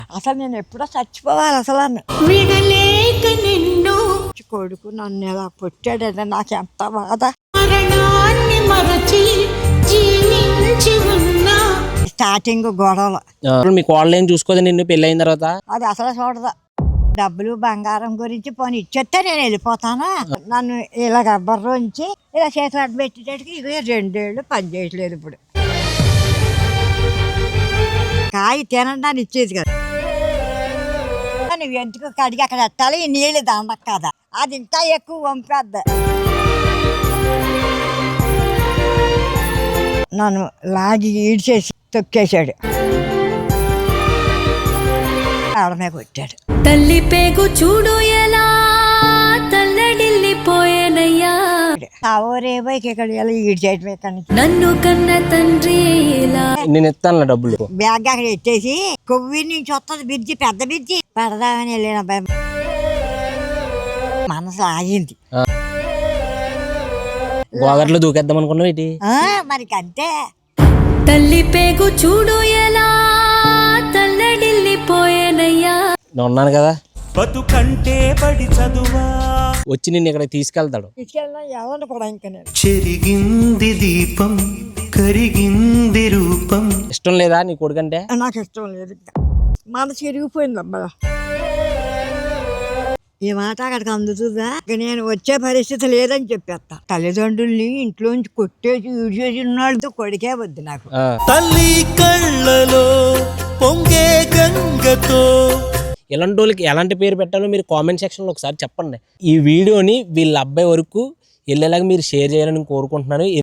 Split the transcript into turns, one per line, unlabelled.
అసలు నేను ఎప్పుడో చచ్చిపోవాలి అసలు
విడలేక నిన్ను
కొడుకు నన్ను ఎలా పుట్టాడంటే నాకు ఎంత బాధ.
మరణాన్ని మరచి జీవించి ఉన్నా
స్టార్టింగ్ గొడవలు.
మీ కోడలేం చూసుకోదు నిన్ను పెళ్ళి అయిన తర్వాత?
అది అసలు చూడదు. డబ్బులు బంగారం గురించి పోనీ ఇచ్చేస్తే నేను వెళ్ళిపోతాను. నన్ను ఇలా గబ్బర్రోంచి ఇలా చేతులు అడ్డు పెట్టేటట్టుకి ఇక 2 ఏళ్ళు పని చేయట్లేదు. ఇప్పుడు కాయ తినడానికి ఇచ్చేది కదా, నువ్వు ఎందుకు కడిగి అక్కడ పెట్టాలి, ఈ నీళ్ళు దండకు కదా, అది ఇంకా ఎక్కువ వంపేద్ది. నన్ను లాగి ఈడ్చేసి తొక్కేశాడు, ఆడమే కొట్టాడు.
తల్లి పేగు చూడు ఎలా తల్లడిల్లిపోయేనయ్యా,
రేపో ఇక్కడ ఈడ్చేయటం ఇక్కడ నుంచి.
నన్ను కన్న తండ్రి ఎలా.
నేను ఇస్తాను డబ్బులు.
బ్యాగ్ అక్కడ ఎట్టేసి కొవ్వి నుంచి వస్తుంది బిర్జి, పెద్ద బిర్జి పెడదామని వెళ్ళిన అబ్బాయి మనసు ఆగింది.
గోదావరిలో దూకేద్దాం అనుకున్నావు ఏంటి?
మరి అంతే.
తల్లి పేగు చూడు ఎలా తల్లడిల్లిపోయేనయ్యా,
నేను ఉన్నాను కదా,
బతుకంటే బడి చదువా,
వచ్చి నిన్ను ఇక్కడ తీసుకెళ్తాడు.
తీసుకెళ్ళినా ఎవరిని కూడా ఇంకా నేను
చెరిగింది దీపం కరిగింది రూపం.
ఇష్టం లేదా నీ కొడుకంటే?
నాకు ఇష్టం లేదు. ఇంకా మనసు విరిగిపోయింది అబ్బా. ఈ మాట అక్కడికి అందుతుందా? ఇక నేను వచ్చే పరిస్థితి లేదని చెప్పేస్తా. తల్లిదండ్రుల్ని ఇంట్లోంచి కొట్టేసి ఈడ్చేసి ఉన్నాళ్ళతో కొడుకే వద్దు నాకు.
తల్లి కళ్ళలో పొంగే గంగతో.
ఇలాంటి వాళ్ళకి ఎలాంటి పేరు పెట్టాలో మీరు కామెంట్ సెక్షన్లో ఒకసారి చెప్పండి. ఈ వీడియోని వీళ్ళ అబ్బాయి వరకు వెళ్ళేలాగా మీరు షేర్ చేయాలని కోరుకుంటున్నాను.